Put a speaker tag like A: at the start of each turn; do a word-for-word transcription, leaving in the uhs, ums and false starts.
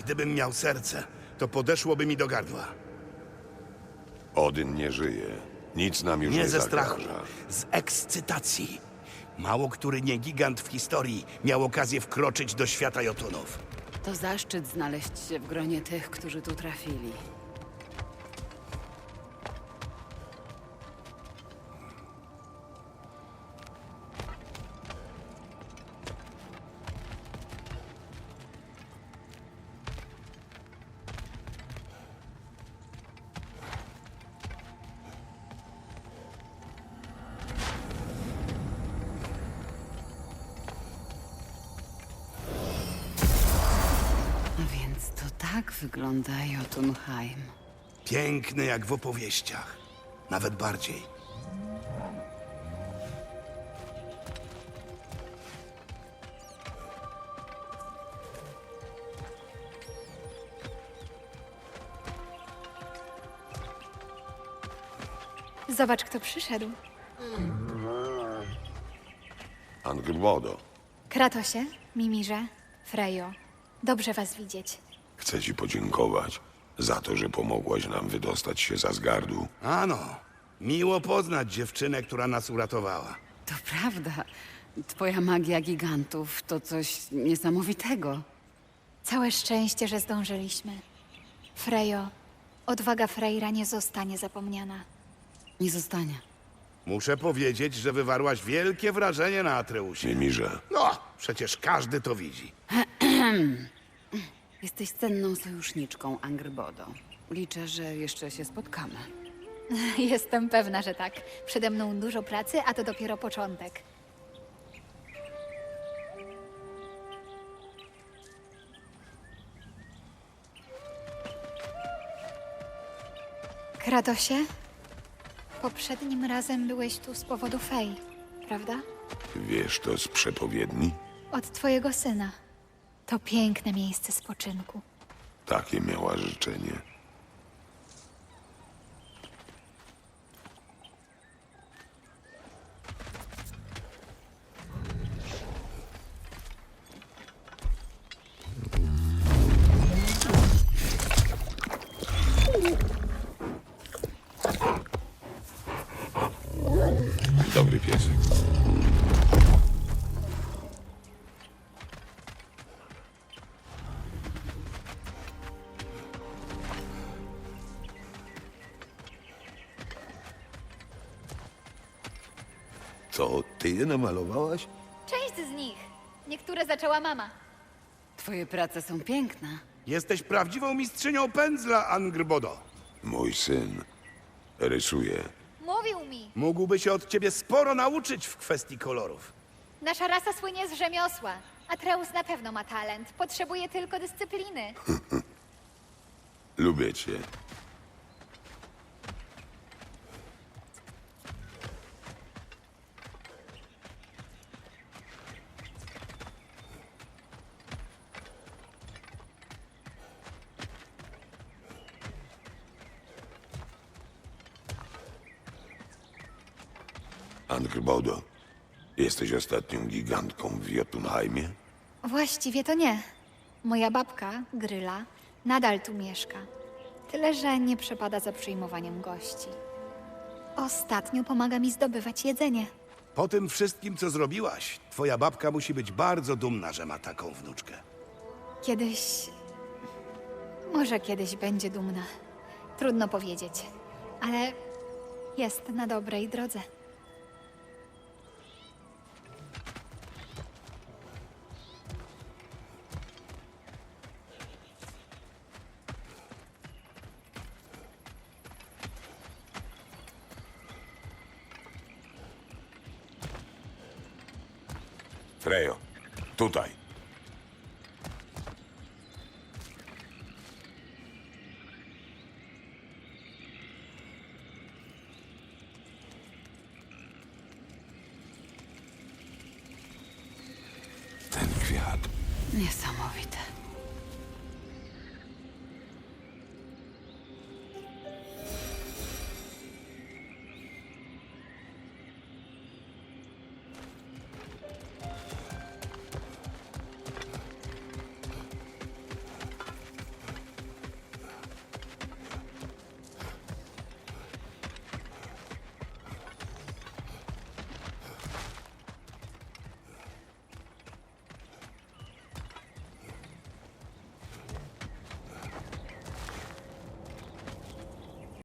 A: Gdybym miał serce, to podeszłoby mi do gardła.
B: Odyn nie żyje. Nic nam już nie,
A: Nie ze
B: zagraża.
A: strachu, z ekscytacji. Mało który nie gigant w historii miał okazję wkroczyć do świata Jotunów.
C: To zaszczyt znaleźć się w gronie tych, którzy tu trafili. A więc to tak wygląda Jotunheim.
A: Piękny jak w opowieściach. Nawet bardziej.
D: Zobacz, kto przyszedł.
B: Angrbodo,
D: Kratosie, Mimirze, Frejo. Dobrze was widzieć.
B: chcę ci podziękować za to, że pomogłaś nam wydostać się z Asgardu.
A: Ano, miło poznać dziewczynę, która nas uratowała.
C: To prawda. Twoja magia gigantów to coś niesamowitego.
D: Całe szczęście, że zdążyliśmy. Frejo, odwaga Freyra nie zostanie zapomniana.
C: Nie zostanie.
A: Muszę powiedzieć, że wywarłaś wielkie wrażenie na Atreusie.
B: Mimirze,
A: No, przecież każdy to widzi.
C: Jesteś cenną sojuszniczką, Angrbodo. Liczę, że jeszcze się spotkamy.
D: Jestem pewna, że tak. Przede mną dużo pracy, a to dopiero początek. Kratosie, poprzednim razem byłeś tu z powodu Fej, prawda?
B: wiesz to z przepowiedni?
D: Od twojego syna. To piękne miejsce spoczynku.
B: Takie miała życzenie. Dobry piesek. Co, ty je namalowałaś?
D: Część z nich. Niektóre zaczęła mama.
C: Twoje prace są piękne.
A: Jesteś prawdziwą mistrzynią pędzla, Angrbodo.
B: Mój syn rysuje.
D: Mówił mi.
A: Mógłby się od ciebie sporo nauczyć w kwestii kolorów.
D: Nasza rasa słynie z rzemiosła. Atreus na pewno ma talent. Potrzebuje tylko dyscypliny.
B: Lubię cię. Angrbodo, jesteś ostatnią gigantką w Jotunheimie?
D: Właściwie to nie. Moja babka, Gryla, nadal tu mieszka. Tyle, że nie przepada za przyjmowaniem gości. Ostatnio pomaga mi zdobywać jedzenie.
A: Po tym wszystkim, co zrobiłaś, twoja babka musi być bardzo dumna, że ma taką wnuczkę.
D: Kiedyś... Może kiedyś będzie dumna. Trudno powiedzieć. Ale jest na dobrej drodze.
B: Frejo, tutaj. Ten kwiat.
C: Niesamowite.